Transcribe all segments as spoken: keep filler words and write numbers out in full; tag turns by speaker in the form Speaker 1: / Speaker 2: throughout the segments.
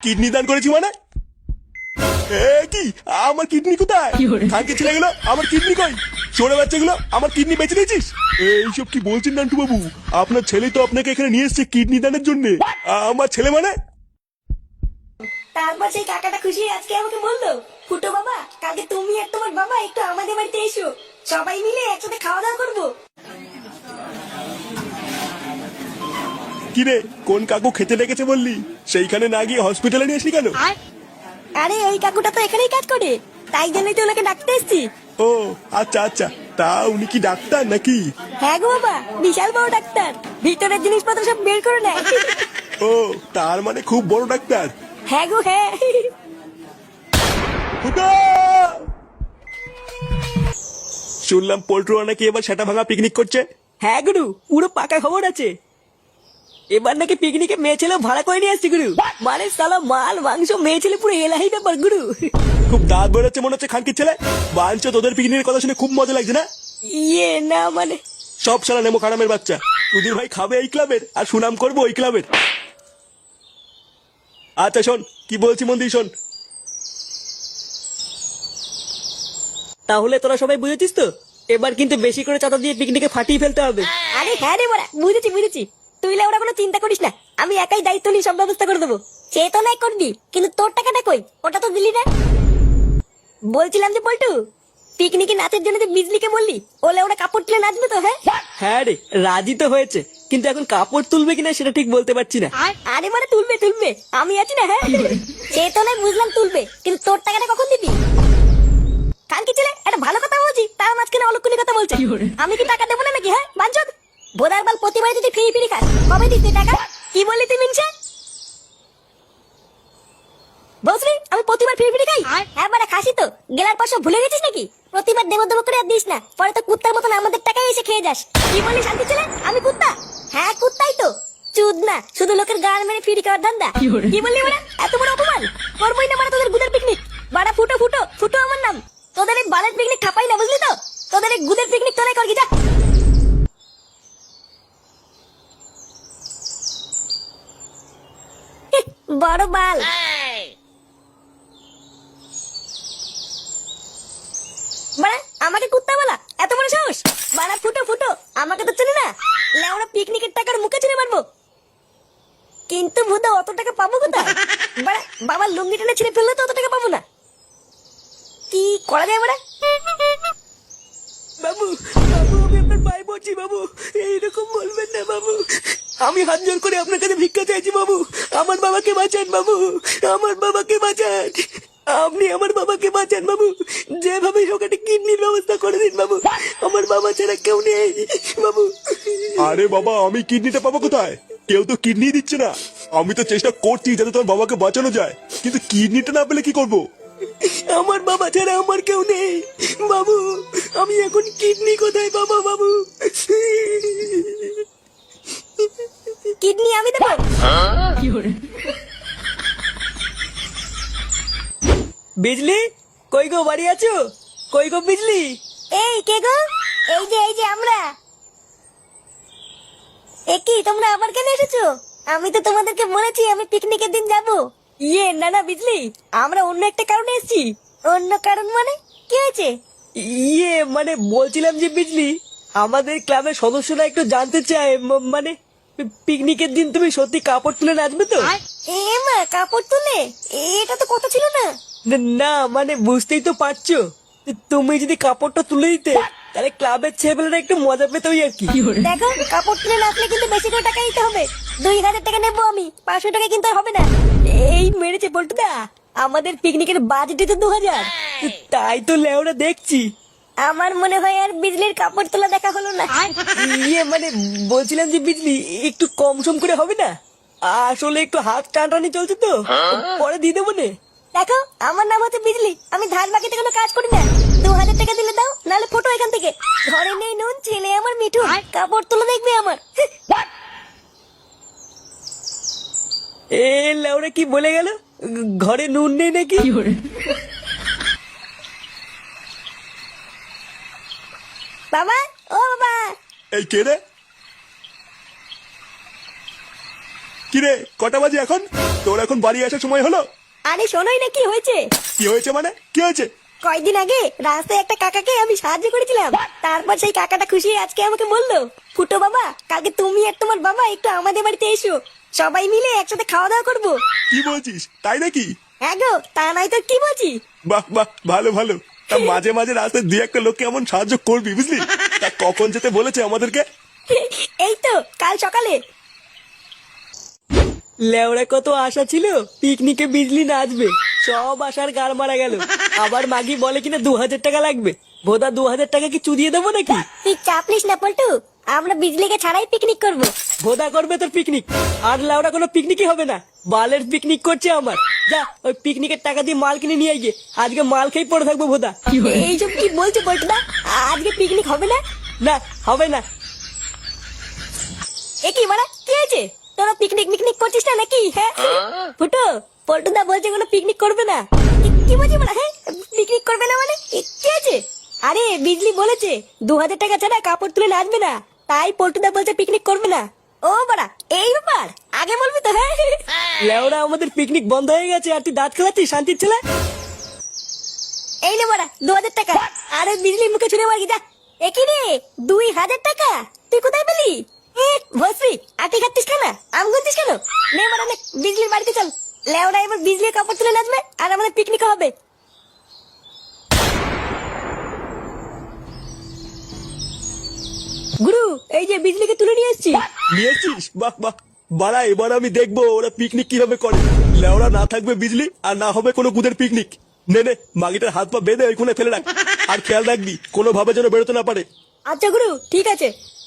Speaker 1: Kidney দান করেছি মানে? এ কি আমার কিডনি কোথায়? খানকে ছেলে গেলো আমার কিডনি কই? চোরে বাচ্চাগুলো আমার কিডনি বেঁচে দিয়েছিস? এইসব কি বলছেন নান্টু বাবু? আপনার ছেলে তো আপনাকে এখানে নিয়ে এসেছে কিডনি দানের জন্য। আমার ছেলে মানে?
Speaker 2: তারপর সেই কাকাটা খুশি আজকে আমাকে বললো, ফুটো বাবা কালকে তুমি আর তোমার বাবা একটু আমাদের বাড়িতে এসো, সবাই মিলে একসাথে খাওয়া দাওয়া করবো।
Speaker 1: কিরে কোন কাকু খেতে ডেকেছে বললি? সেইখানে না গিয়ে হসপিটালে নিয়ে আসলি কেন?
Speaker 2: আরে ওই কাকুটা তো এখানেই কাজ করে, তাই জন্যই তো ওনাকে ডাকতে এসছি।
Speaker 1: ও আচ্ছা আচ্ছা, তা উনি কি ডাক্তার নাকি?
Speaker 2: হ্যাঁ গো বাবা, বিশাল বড় ডাক্তার, ভিতরের জিনিসপত্র সব বের করে নেয়।
Speaker 1: ও তার মানে খুব বড় ডাক্তার।
Speaker 2: হ্যাঁ গো হ্যাঁ।
Speaker 1: ফুটো! শুনলাম পোল্ট্রু নাকি এবার সেটা ভাঙা পিকনিক করছে।
Speaker 3: হ্যাঁ গুরু, পুরো পাকা খবর আছে। এবার নাকি পিকনিকে মেয়ে ছেলে ভাড়া করে নিয়ে আসছে গুরু। মানে সালা মাল মাংস মেয়ে ছেলে পুরো এলাহি ব্যাপার গুরু।
Speaker 1: খুব দাঁত বেরোচ্ছে মনে হচ্ছে খানকির ছেলে। বাঞ্চ তোদের পিকনিকের কথা শুনে খুব মজা লাগছে না?
Speaker 3: ইয়ে না মানে
Speaker 1: সব সালা নেমো খারামের বাচ্চা। তুদির ভাই খাবে এই ক্লাবের আর সুনাম করবো ওই ক্লাবের। আচ্ছা শোন কি বলছি মন দিয়ে শোন।
Speaker 3: তাহলে তোরা সবাই বুঝেছিস তো, এবার কিন্তু বেশি করে চাঁদা দিয়ে পিকনিকে ফাটিয়ে ফেলতে হবে।
Speaker 2: আরে হ্যাঁ রে বড়া, বুঝেছি বুঝেছি, তুই ওরা কোনো চিন্তা করিস না, আমি একাই দায়িত্ব নিয়ে সব ব্যবস্থা করে দেবো। সে তো নাই করবি, কিন্তু তোর টাকাটা কই? ওটা তো দিলি না। বলছিলাম যে পল্টু, পিকনিকে নাচের জন্য যে বিজলিকে বললি, ওলে ওরা কাপড় তুলে নাচবে তো? হ্যাঁ
Speaker 3: হ্যাঁ রে, রাজি তো হয়েছে, কিন্তু এখন কাপড় তুলবে কিনা সেটা ঠিক বলতে পারছি না।
Speaker 2: আরে মানে তুলবে তুলবে, আমি আছি না। হ্যাঁ সে তো নাই বুঝলাম তুলবে, কিন্তু তোর টাকাটা কখন দিবি? কালকে ছেলে একটা ভালো কথা বলছি, তার মাঝখানে অলক্ষণী কথা বলছে। আমি কি টাকা দেবো না নাকি? হ্যাঁ বাঞ্চদ বোধার বাল, প্রতিবার যদি ফিরি ফিরি খাস কবে দিস তুই টাকা? কি বললি তুই মিনসা? বসরি আমি প্রতিবার ফিরি ফিরি খাই? হ্যাঁ বারে খাসি তো, গেলার পর সব ভুলে গেছিস নাকি? প্রতিবার দেব দেব করে আর দিস না, পরে তো কুত্তার মতন আমাদের টাকায় এসে খেয়ে যাস। কি বললি শান্তি ছেলে, আমি কুত্তা? হ্যাঁ কুত্তাই তো, চুদ না, শুধু লোকের গান মেরে ফিরি খাওয়ার ধান্দা। কি বললি বাড়া, এত বড় অপমান? করবোই না বাড়া তোদের গুদের পিকনিক। বাড়া ফুটো ফুটো ফুটো আমার নাম, তোদের এই বালের পিকনিক খাপাই না, বুঝলি তো? তোদের এই গুদের পিকনিক তোরাই করবি, যা। বড় বাল। বাড়া আমাকে কুত্তা বলা, এত বড় সাহস? বাড়া ফুটো ফুটো, আমাকে তো চেনে না। লেওরা পিকনিকের টাকার মুখে ছেড়ে মারবো, কিন্তু ভূতা অত টাকা পাবো কোথায়? বাড়া বাবার লুঙ্গি টেনে ছিঁড়ে ফেললে তো অত টাকা পাবো না। কি করা যায় বাড়া?
Speaker 3: বাবু বাবু, আমি আপনার পায়ে পড়ছি বাবু, এইরকম বলবেন না বাবু। আমি হাত জোর করে আপনার কাছে ভিক্ষা চাইছি বাবু, আমার বাবাকে বাঁচান বাবু, আমার বাবাকে বাঁচান। আপনি আমার বাবাকে বাঁচান বাবু, যেভাবে হোক একটা কিডনির ব্যবস্থা করে দিন বাবু, আমার বাবা ছাড়া কেউ নেই বাবু।
Speaker 1: আরে বাবা আমি কিডনিটা পাবো কোথায়? কেউ তো কিডনি দিচ্ছে না। আমি তো চেষ্টা করছি যাতে তোমার বাবাকে বাঁচানো যায়, কিন্তু কিডনিটা না পেলে কি করব?
Speaker 3: আমার বাবা ছাড়া আমার কেউ নেই বাবু, আমি এখন কিডনি কোথায় পাবো বাবু?
Speaker 2: কিডনি আমি দেবো?
Speaker 3: বিজলি কই গো, বাড়ি আছো? কই গো বিজলি?
Speaker 2: এই কে গো? এই যে এই যে আমরা। এ কি তোমরা আবার কেন এসেছো? আমি তো তোমাদেরকে বলেছি আমি পিকনিকের দিন যাব।
Speaker 3: ইয়ে না না বিজলি, আমরা অন্য একটা কারণে এসেছি।
Speaker 2: অন্য কারণ মানে কি হয়েছে?
Speaker 3: ইয়ে মানে বলছিলাম যে বিজলি, আমাদের ক্লাবের সদস্যরা একটু জানতে চায়, ম- মানে পিকনিকের দিন তুমি সত্যি কাপড় তুলে নাচবে তো?
Speaker 2: এ মা কাপড় তুলে? এটা তো কথা ছিল না।
Speaker 3: না মানে বুঝতেই তো পারছো, তুমি যদি কাপড়টা তুলে দিতে তাহলে ক্লাবের ছেলেপেলেরা একটু মজা পেত ওই আর কি।
Speaker 2: দেখো কাপড় তুলে নাচলে কিন্তু বেশি করে টাকা দিতে হবে, দুই হাজার টাকা নেবো আমি, পাঁচশো টাকা কিন্তু আর হবে না।
Speaker 3: এই মেরেছে বলটুদা, আমাদের পিকনিকের বাজেটই তো দু হাজার। তাই তো লেওরা দেখছি।
Speaker 2: আমার মনে হয় আর বিজলির কাপড় তোলা দেখা হলো না।
Speaker 3: ইয়ে মানে বলছিলাম যে বিজলি একটু কম সম করে হবে না? আসলে একটু হাত টানটানি চলছে তো, পরে দিয়ে দেবো নে।
Speaker 2: দেখো আমার নাম হচ্ছে বিজলি, আমি ধান বাকিতে কোনো কাজ করি না। দু হাজার টাকা দিলে দাও, নাহলে ফটো এখান থেকে। ঘরে নেই নুন, ছেলে আমার মিঠু, কাপড় তুলে দেখবে আমার।
Speaker 3: এ লেওরা কি বলে গেল, ঘরে নুন নেই নাকি?
Speaker 2: বাবা ও বাবা।
Speaker 1: এই কে রে? কিরে কটা বাজে এখন? তোর এখন বাড়ি আসার সময় হলো?
Speaker 2: আরে শোনোই না কি হয়েছে।
Speaker 1: কি হয়েছে মানে? কি হয়েছে?
Speaker 2: কয়েকদিন আগে রাস্তায় একটা কাকাকে আমি সাহায্য করেছিলাম, তারপর সেই কাকাটা খুশি হয়ে আজকে আমাকে বললো, ফুটো বাবা কালকে তুমি আর তোমার বাবা একটু আমাদের বাড়িতে এসো, সবাই মিলে একসাথে খাওয়া দাওয়া করবো।
Speaker 1: কি বলছিস? তাই নাকি?
Speaker 2: হ্যাঁ গো, তা নাই তো কি বলছি।
Speaker 1: বাহ বাহ, ভালো ভালো। তা মাঝে মাঝে রাস্তায় দুই একটা লোককে এমন সাহায্য করবি, বুঝলি? তা কখন যেতে বলেছে আমাদেরকে?
Speaker 2: এই তো কাল সকালে।
Speaker 3: লেওড়া কত আশা ছিল পিকনিকে বিজলি নাচবে, সব আশার গাড় মারা গেল। আবার মাগি বলে কিনা দু হাজার টাকা লাগবে। ভোদা দু হাজার টাকা কি চুদিয়ে দেবো নাকি?
Speaker 2: তুই চাপ নিস না পল্টু, আমরা বিজলিকে ছাড়াই পিকনিক করবো।
Speaker 3: ভোদা করবে তোর পিকনিক, আর লেওড়া কোনো পিকনিকই হবে না। বালের পিকনিক করছে আমার। যা ওই পিকনিকের টাকা দিয়ে মাল কিনে নিয়ে গিয়ে আজকে মাল খেয়ে পড়ে থাকবো ভোদা।
Speaker 2: এইসব কি বলছো পল্টুদা, আজকে পিকনিক হবে না?
Speaker 3: না হবে না।
Speaker 2: এ কি মারা, কি হয়েছে? তোরা পিকনিক মিকনিক করছিস না নাকি? হ্যাঁ ফুটো, পল্টুদা বলছে কোনো পিকনিক করবে না। কি- কি বলছি মারা? হ্যাঁ পিকনিক করবে না মানে এ, কি আছে? আরে বিজলি বলেছে দু হাজার টাকা ছাড়া কাপড় তুলে নাচবে না, তাই পল্টুদা বলছে পিকনিক করবে না। ও বাড়া, এই ব্যাপার আগে বলবি তো। হ্যাঁ
Speaker 3: লেওড়া আমাদের পিকনিক বন্ধ হয়ে গেছে আর তুই দাঁত খেলাচ্ছিস শান্তির ছেলে।
Speaker 2: এই নে বাড়া দু হাজার টাকা। আরে বিজলি মুখে ছুড়ে মারি যা। এ কি রে, দুই হাজার টাকা তুই কোথায় পেলি? এ ভস্রী, আটি খাচ্ছিস কেন, আম গুনছিস কেন? নে বাড়া নে, বিজলির বাড়িতে চল। লেওরা এবার বিজলির কাপড় তুলে নাচবে আর আমাদের পিকনিক হবে। গুরু, এই যে বিজলিকে তুলে নিয়ে এসেছি।
Speaker 1: নিয়ে এসছিস? বাহ বাহ। বাড়া, এবার আমি দেখবো ওরা পিকনিক কিভাবে করে। লেওরা না থাকবে বিজলি আর না হবে কোনো গুদের পিকনিক। নে নে, মাগিটার হাত পা বেঁধে ওইখানে ফেলে রাখ। আর খেয়াল রাখবি কোনোভাবে যেন বেরোতে না পারে।
Speaker 2: আচ্ছা গুরু, ঠিক আছে।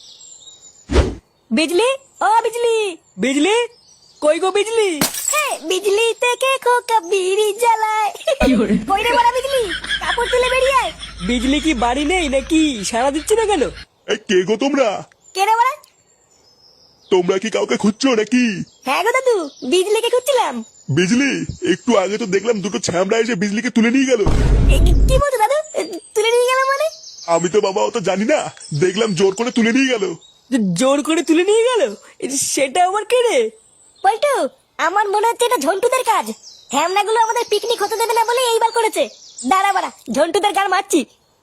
Speaker 2: বিজলি, ও বিজলি।
Speaker 3: বিজলি কই গো বিজলি?
Speaker 2: হ্যাঁ, বিজলি থেকে খোকা বিড়ি জ্বালায়। কই রে বড়া বিজলি, কাপড় তুলে বেরিয়ে আয়।
Speaker 3: বিজলি কি বাড়ি নেই নাকি? সারা দিচ্ছে না কেন?
Speaker 1: এই কে গো তোমরা?
Speaker 2: কে রে বড়া?
Speaker 1: তোমরা কি কাউকে খুঁজছো নাকি?
Speaker 2: হ্যাঁ গো দাদু, বিজলিকে খুঁজছিলাম।
Speaker 1: বিজলি, একটু আগে তো দেখলাম দুটো ছ্যামড়া এসে বিজলিকে তুলে নিয়ে গেল।
Speaker 2: এ, কি- কি বলছো দাদু? এ, তুলে নিয়ে গেল মানে?
Speaker 1: আমি তো বাবা অত জানি না, দেখলাম জোর করে তুলে নিয়ে গেল।
Speaker 3: যে জোর করে তুলে নিয়ে গেল, সেটা আমার কে রে?
Speaker 2: পল্টু, আমার মনে হচ্ছে এটা ঝন্টুদের কাজ। হ্যামনাগুলো আমাদের পিকনিক হতে দেবে না বলে এইবার করেছে। দাঁড়া বাড়া, ঝন্টুদের গান মারছি।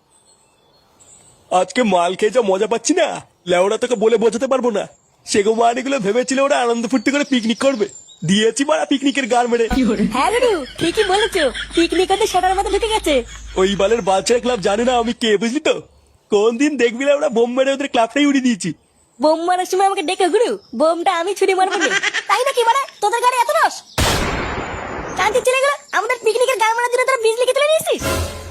Speaker 1: আজকে মাল খেয়ে যা মজা পাচ্ছি না, লেওরা তোকে বলে বোঝাতে পারবো না। সেগো মানিগুলো ভেবেছিল ওরা আনন্দ ফুর্তি করে পিকনিক করবে, দিয়েছি মারা পিকনিকের গান মেরে।
Speaker 2: হ্যাঁ গুরু, ঠিকই বলেছো, পিকনিক হতে সেটার মধ্যে ঢুকে গেছে।
Speaker 1: ওই বালের বাচ্চার ক্লাব জানে না আমি কে, বুঝলি তো? কোন দিন দেখবি না ওরা বোম মেরে ওদের ক্লাবটাই উড়িয়ে দিয়েছি।
Speaker 2: বোম মারার সময় আমাকে ডেকে গুরু, বোমটা আমি ছুরি মারবো না। তাই নাকি মারা, তোদের গাড়ি এত রস? শান্তি চলে গেল, আমাদের পিকনিকের গান মারার জন্য তোরা বিজলিকে তুলে নিয়েছিস।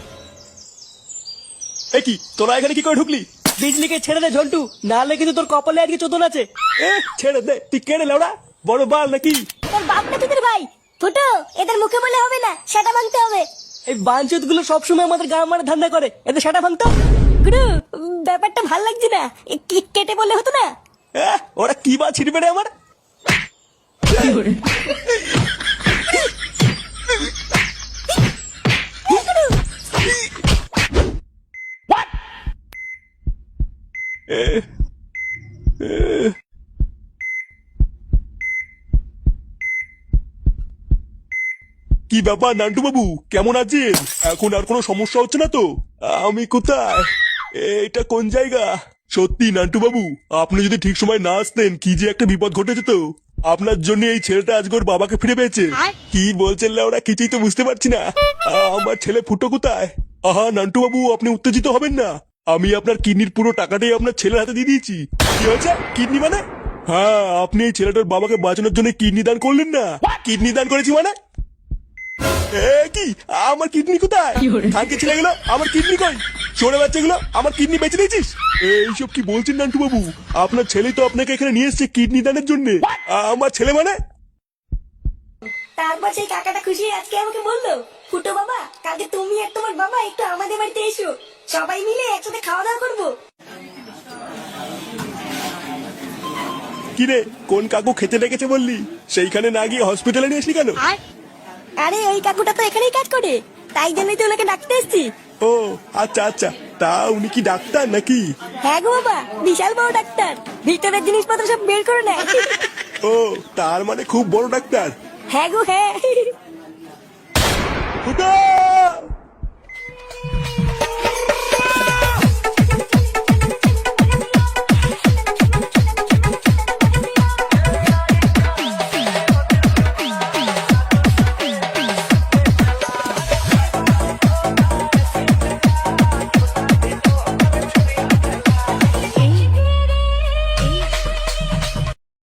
Speaker 1: এ কি, তোরা এখানে কি করে ঢুকলি?
Speaker 3: বিজলিকে ছেড়ে দে ঝন্টু, নাহলে কিন্তু তোর কপালে আজকে চোদন আছে।
Speaker 1: এ ছেড়ে দে, তুই কেড়ে লেওড়া বড় বাল নাকি?
Speaker 2: তোর বাপ না তোদের ভাই? ফুটো, এদের মুখে বলে হবে না, সেটা ভাঙতে হবে।
Speaker 3: এই বাঞ্চত গুলো সবসময় আমাদের গাঁ মারা ধান্দা করে, এদের সেটা ভাঙতো।
Speaker 2: গুরু, উম, ব্যাপারটা ভাল লাগছে না, এ, কি- কেটে বলে হতো না?
Speaker 1: এ, ওরা কি বা ছিড়বে রে আমার? এ, এ, কি ব্যাপার নান্টু বাবু, কেমন আছেন? এখন আর কোনো সমস্যা হচ্ছে না তো? আমি কোথায়? এটা কোন জায়গা? সত্যি নান্টু বাবু, আপনি যদি ঠিক সময় না আসতেন কি যে একটা বিপদ ঘটে যেত। আপনার জন্য এই ছেলেটা আজকে ওর বাবাকে ফিরে পেয়েছে। কি বলছেন ওরা, কিছুই তো বুঝতে পারছি না। আ, আমার ছেলে ফুটো কোথায়? আহা নান্টু বাবু, আপনি উত্তেজিত হবেন না। আমি আপনার কিডনির পুরো টাকাটাই আপনার ছেলের হাতে দিয়ে দিয়েছি। কি হয়েছে? কিডনি মানে? হ্যাঁ, আপনি এই ছেলেটার বাবাকে বাঁচানোর জন্য কিডনি দান করলেন না। কিডনি দান করেছি মানে? এ কি, আমার কিডনি কোথায়? কালকে ছেলে গেলো, আমার কিডনি কই? ছোড়ে বাচ্চাগুলো, আমার কিডনি বেঁচে দিয়েছিস? এইসব কি বলছেন নান্টু বাবু? আপনার ছেলেই তো আপনাকে এখানে নিয়ে এসেছে কিডনি দানের জন্য। আমার ছেলে মানে?
Speaker 2: তারপর সেই কাকাটা খুশি হয়ে আজকে আমাকে বললো, ফুটো বাবা কালকে তুমি আর তোমার বাবা একটু আমাদের বাড়িতে এসো, সবাই মিলে একসাথে খাওয়া দাওয়া করবো।
Speaker 1: কিরে, কোন কাকু খেতে ডেকেছে বললি? সেইখানে না গিয়ে হসপিটালে নিয়ে আসলি কেন?
Speaker 2: আরে ওই কাকুটা তো এখানেই কাজ করে, তাই জন্যই তো ওনাকে ডাকতে এসছি।
Speaker 1: ও আচ্ছা আচ্ছা, তা উনি কি ডাক্তার নাকি?
Speaker 2: হ্যাঁ গো বাবা, বিশাল বড় ডাক্তার, ভিতরের জিনিসপত্র সব বের করে নেয়।
Speaker 1: ও তার মানে খুব বড় ডাক্তার।
Speaker 2: হ্যাঁ গো হ্যাঁ।
Speaker 1: ফুটো